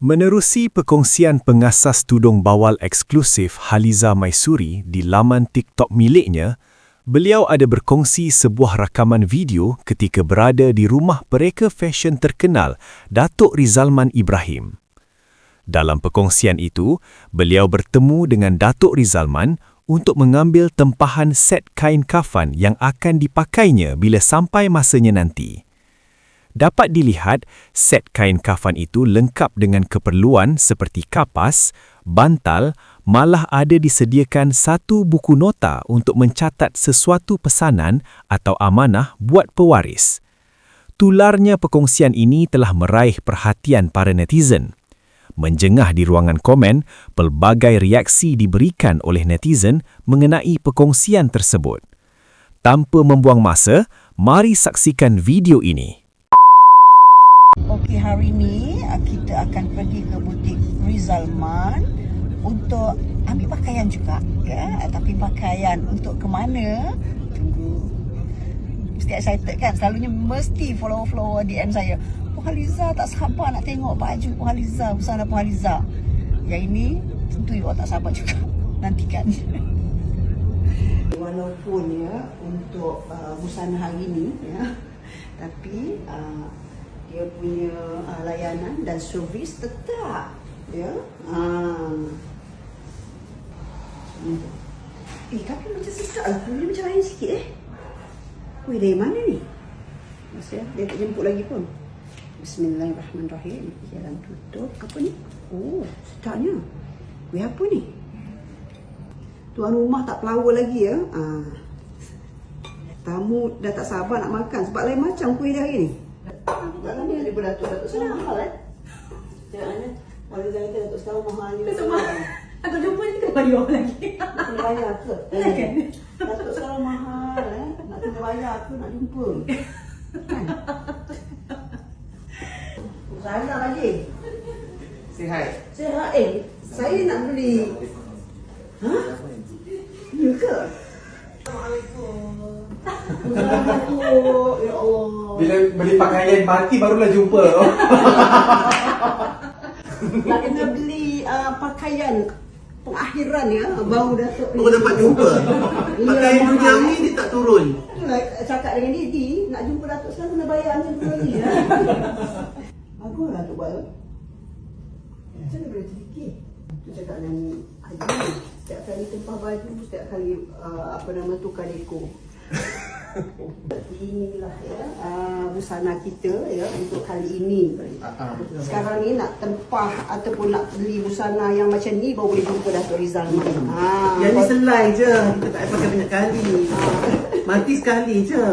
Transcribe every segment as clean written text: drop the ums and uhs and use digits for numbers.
Menerusi perkongsian pengasas tudung bawal eksklusif Haliza Maisuri di laman TikTok miliknya, beliau ada berkongsi sebuah rakaman video ketika berada di rumah pereka fashion terkenal Datuk Rizalman Ibrahim. Dalam perkongsian itu, beliau bertemu dengan Datuk Rizalman untuk mengambil tempahan set kain kafan yang akan dipakainya bila sampai masanya nanti. Dapat dilihat, set kain kafan itu lengkap dengan keperluan seperti kapas, bantal, malah ada disediakan satu buku nota untuk mencatat sesuatu pesanan atau amanah buat pewaris. Tularnya perkongsian ini telah meraih perhatian para netizen. Menjengah di ruangan komen, pelbagai reaksi diberikan oleh netizen mengenai perkongsian tersebut. Tanpa membuang masa, mari saksikan video ini. Okey, hari ni kita akan pergi ke butik Rizalman untuk ambil pakaian juga, ya. Tapi pakaian untuk ke mana? Tunggu. Mesti excited kan? Selalunya mesti follower DM saya. Puan Haliza tak sabar nak tengok baju Puan Haliza, busana Puan Haliza. Yang ini tentu you tak sabar juga. Nantikan. Walaupun ya untuk busana hari ni, ya, tapi dia punya layanan dan servis tetap, ya. Tapi macam sesak lah. Dia macam lain sikit Weh, dari mana ni? Masih dia tak jemput lagi pun. Bismillahirrahmanirrahim. Jalan tutup. Apa ni? Oh, sedapnya. Weh, apa ni? Tuan rumah tak pelawar lagi, ya. Tamu dah tak sabar nak makan sebab lain macam kuih dia hari ni. Dalam ni ada beratur-atur sekarang mahal, Macam mana? Kalau dia kata Datuk sekarang mahal ni. Datuk mahal. Aku jumpa ni kena bayar lagi. Kena bayar ke? Datuk sekarang mahal, Nak kena bayar ke nak jumpa? Kan? Salah lagi. Sihat. Sihat. Saya nak beli. Ha? Ya ke? Assalamualaikum. Ya Allah. Bila beli pakaian mati barulah jumpa. Nak kena beli pakaian pengakhiran, ya, baru Datuk ni. Kau dapat jumpa. Pakaian duniawi dia tak turun. Itulah cakap dengan Didi, nak jumpa Datuk sekarang kena bayar ni dulu lagi, ya. Baguslah Datuk buat. Macam mana boleh terfikir? Tu cakap dengan Haji, setiap kali tempah baju, setiap kali tukar dekor. Inilah, ya, busana kita, ya, untuk kali ini. Sekarang ni nak tempah ataupun nak beli busana yang macam ni baru boleh jumpa Datuk Rizalman. Yang ni selai je. Kita tak payah pakai banyak kali. Mati sekali je.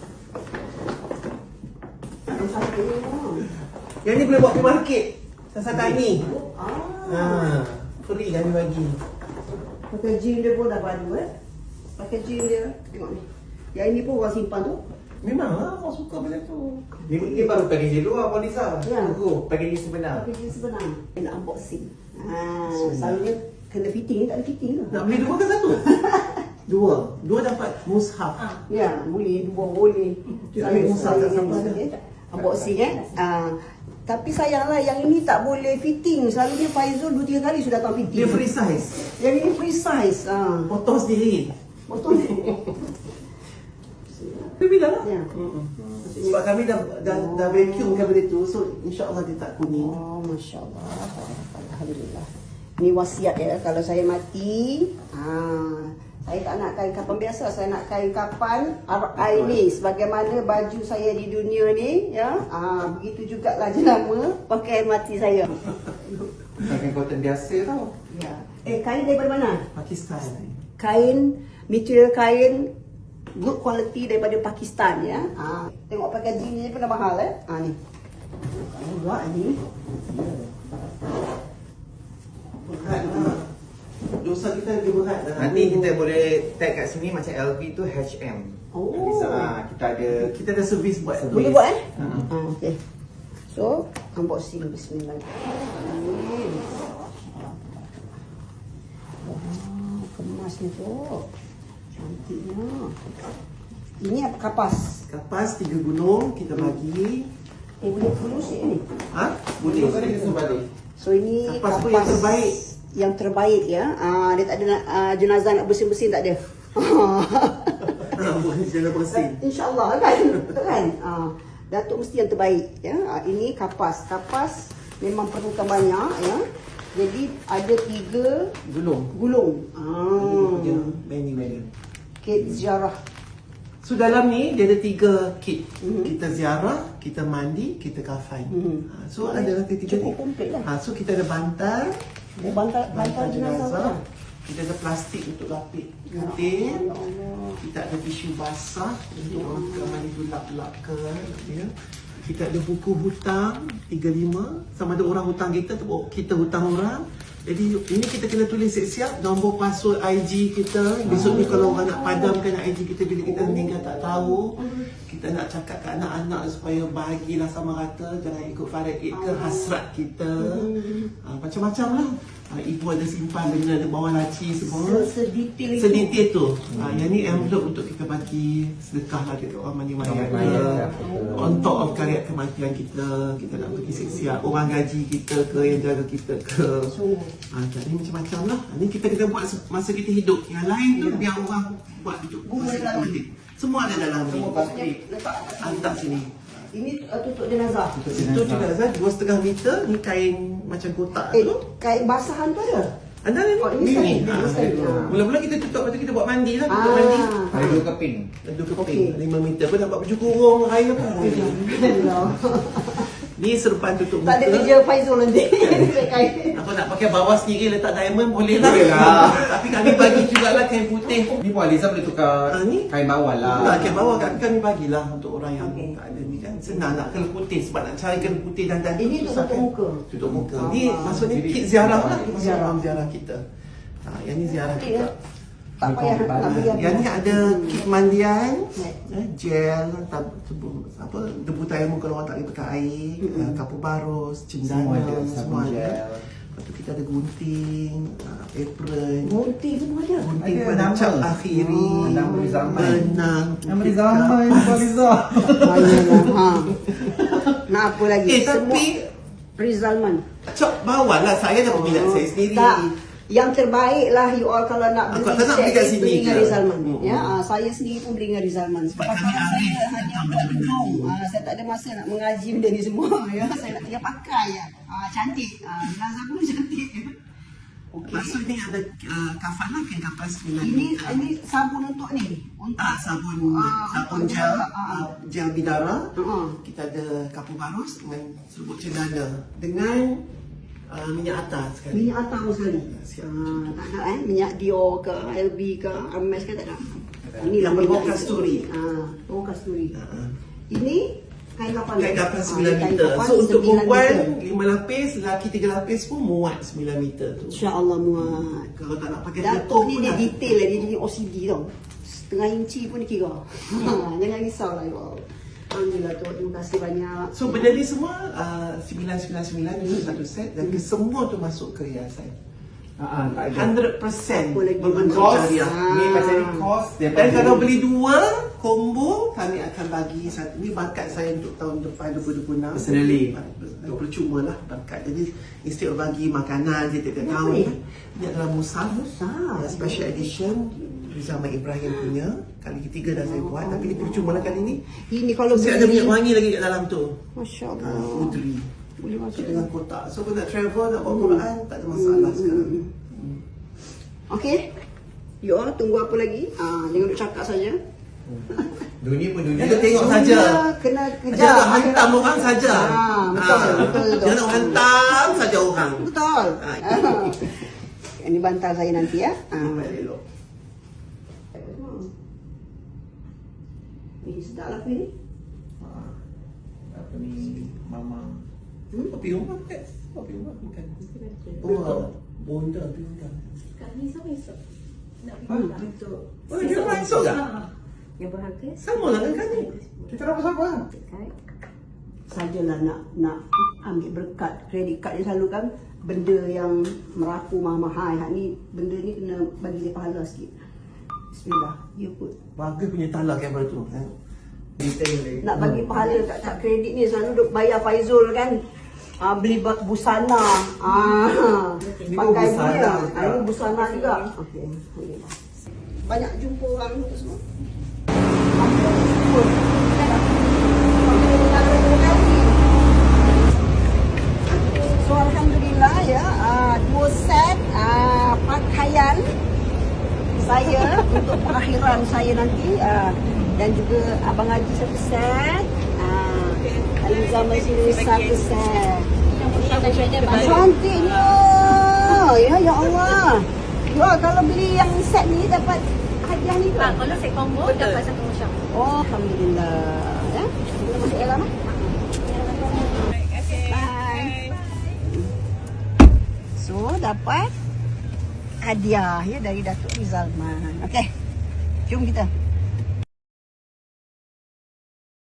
Yang ni boleh buat pergi market. Sasakan ni. Free kami bagi. Pakai jean dia pun dah padu, Pakai jean dia. Tengok ni. Yang ini pun orang simpan tu. Memanglah orang suka macam tu. Dia baru packaging luar, Puan Liza. Ya. Tunggu, packaging sebenar. Packaging sebenar. Dia nak unboxing. Selalunya kena fitting, tak ada fitting tu. Nak beli dua ke satu? Dua. Dua dapat mushaf. Ya, boleh. Dua boleh. Ambil mushaf tak sama. Unboxing, tapi sayanglah yang ini tak boleh fitting. Selalunya Faizul 2-3 kali sudah tahu fitting. Dia free size. Yang ini free size. Potong sendiri. Betul. Dia bilang lah. Ya. Sebab kami dah vacuumkan benda tu. So insyaAllah dia tak kuning. Oh, Masya Allah. Alhamdulillah. Ini wasiat, ya. Kalau saya mati, saya tak nak kain kapan biasa. Saya nak kain kapan RI ni. Sebagaimana baju saya di dunia ni, ya. Begitu jugalah jenama pakaian mati saya. Pakaian cotton biasa tau. Ya. Kain daripada mana? Pakistan. Kain, material kain good quality daripada Pakistan, ya. Tengok packaging ni pun dah mahal, ni. Kalau buat ni. Berat lah. Dosa kita lagi berat lah. Nanti kita boleh tag kat sini macam LV tu HM. Oh. Kita ada servis buat. Boleh buat, okey. So, unboxing. Bismillahirrahmanirrahim. Kemasnya tu. Cantiknya. Ini apa? Kapas. Kapas 3 gunung kita bagi. Boleh sikit ni? Boleh. So ini Kapas pun yang terbaik. Yang terbaik ya. Dia tak ada jenazah nak bersin-bersin, tak ada. Jangan bersin. InsyaAllah kan. Betul kan? Datuk mesti yang terbaik ya. Ini kapas. Kapas memang perlukan banyak ya. Jadi ada 3 gulung. Punya menu. Kit ziarah. So dalam ni dia ada 3 kit. Kita ziarah, kita mandi, kita kafan. So adalah ketiga ni. Cukup komplit lah. So kita ada bantal, Bantal jenazah. Kita ada plastik untuk lapik katil. Ya Allah. Kita ada tisu basah untuk orang mandi tu lap-lap ke. Ya. Kita ada buku hutang 35. Sama ada orang hutang kita tu kita hutang orang. Jadi ini kita kena tulis siap-siap nombor password IG kita. Besok ni kalau orang nak padamkan IG kita bila kita meninggal tak tahu. Kita nak cakap kat anak-anak supaya bahagilah sama rata. Jangan ikut faraid ke hasrat kita. Macam-macam lah. Ibu ada simpan benda di bawah laci semua. Sedetail itu. Sedetail tu. Yang ni envelope untuk kita bagi sedekah lah dekat orang mandi-mandi kita. On top of karya kematian kita. Kita nak pergi siap-siap. Orang gaji kita ke, yang jaga kita ke. Jadi macam-macam lah. Ni kita kena buat masa kita hidup. Yang lain tu biar orang buat hidup. Semua ada dalam ni. Hantar sini. Ini tutup jenazah. Tutup jenazah 2,5 meter. Ni kain macam kotak tu. Kain basahan tu ada? Anda ni? Oh, ini sekali. Mula-mula kita tutup, lepas tu kita buat mandi lah. Tutup mandi. Ada 2 keping. Ada keping. 5 meter pun dapat baju kurung air apa. Ni serupan tutup muka. Tak ada kerja Faizul nanti. Apa nak pakai bawah sendiri letak diamond boleh lah. Tapi kami bagi jugalah kain putih. Ni pun Aliza boleh tukar Ni? kain bawah lah. Kain bawah kami bagilah untuk orang yang tak ada ni kan. Senang nak kena putih sebab nak cari kena putih dan Ini susah tutup kan. muka. Tutup muka. Ni maksudnya kit ziarah lah. Ziarah kita. Yang ni ziarah kita. Tak payah nak beli Yang ni ada kit mandian, gel, debu tayamum kalau orang tak boleh pakai air, kapur barus, cendana, semua ada. Lepas tu kita ada gunting, apron. Gunting semua ada. Gunting Ada pada nama. cap akhiri, Nama beri zaman. benang. Yang beri zaman Aliza. Nak apa lagi? Tapi Rizalman. cap bawah lah, saya dah peminat saya sendiri. Tak. Yang terbaik lah you all kalau nak beli tak nak beli kat sini beli dengan je. Rizalman. Ya, saya sendiri pun beli dengan Rizalman. Sebab kami saya arif hanya work from home. Saya tak ada masa nak mengaji benda ni semua. Ya, saya nak tinggal pakai ya. Cantik. Jenazah pun cantik. Okey. Maksud ni ada kafan lah, kain kapas 9 Ini sabun untuk ni. Untuk sabun gel, gel bidara. Kita ada kapur barus dengan serbuk cendana dengan minyak atas sekali. Minyak atas pun sekali. Tak ada minyak Dior ke, LB ke, Hermes ke tak ada. Ini lah Bawah minyak kasturi. Bawah kasturi. Ini kain kapan? Kain kapas 9 meter. So untuk perempuan 5 lapis, lelaki 3 lapis pun muat 9 meter tu. InsyaAllah muat. Kalau tak nak pakai Datuk ni dia detail lah, dia jadi OCD tau. Setengah inci pun dia kira. Jangan risau lah you all. Alhamdulillah tu, terima kasih banyak. So benda ni semua 999 itu satu set dan semua tu masuk ke hiasan. Tak ada. 100% Apa lagi? berbentuk Kos, syariah. ni pasal ni kos dia. Dan kalau beli 2 combo, kami akan bagi satu. Ini bakat saya untuk tahun depan 2026. Personally. Percuma lah bakat. Jadi instead of bagi makanan dia tiap-tiap Apa tahun. ni? Ini adalah musaf. Special edition. Zaman Ibrahim punya. Kali ketiga dah saya buat. Tapi ni percuma lah kali ni. Ini kalau Saya ada minyak wangi lagi kat dalam tu. Masya Ah, Allah. Udri. Boleh masuk Dengan kotak. So kalau nak travel, nak bawa Quran, tak ada masalah sekarang. Okey. You all tunggu apa lagi? Jangan duk cakap saja. Dunia pun dunia. Kita tengok saja. Kena kejar. Jangan hantam orang saja. Betul. Jangan hantam saja orang. Betul. Itu. Ini bantal saya nanti ya. Nampak elok. Ini sedap lah ni. Apa ni mama. Kopi rumah kan? Kopi rumah bukan. Oh, bonda bonda. Kami sama esok. Nak pergi untuk Oh, dia masuk tak? yang berharga. Sama lah dengan kami. Kita nak bersama. Sajalah nak ambil berkat kredit kad dia selalu kan benda yang merapu mahal-mahal. Hak ni benda ni kena bagi dia pahala sikit. Bismillah. You put. Bagus punya talak kamera tu. Detail lagi. Nak bagi pahala kat kredit ni selalu duk bayar Faizul kan. beli busana. Ini Pakai busana dia. juga. Ini busana juga. Okey. Banyak jumpa orang tu semua. So alhamdulillah ya, 2 set pakaian saya untuk perakhiran saya nanti, dan juga Abang Haji 1 set, Aliza Maisuri 1 set. Cantiknya. Ya Allah. Ya, kalau beli yang set ni dapat hadiah ni ke? Kalau set combo dapat satu macam. Oh, alhamdulillah. Ya. Kita masuk dalam. Bye. So, dapat hadiah ya dari Datuk Rizalman. Okey. Jom kita.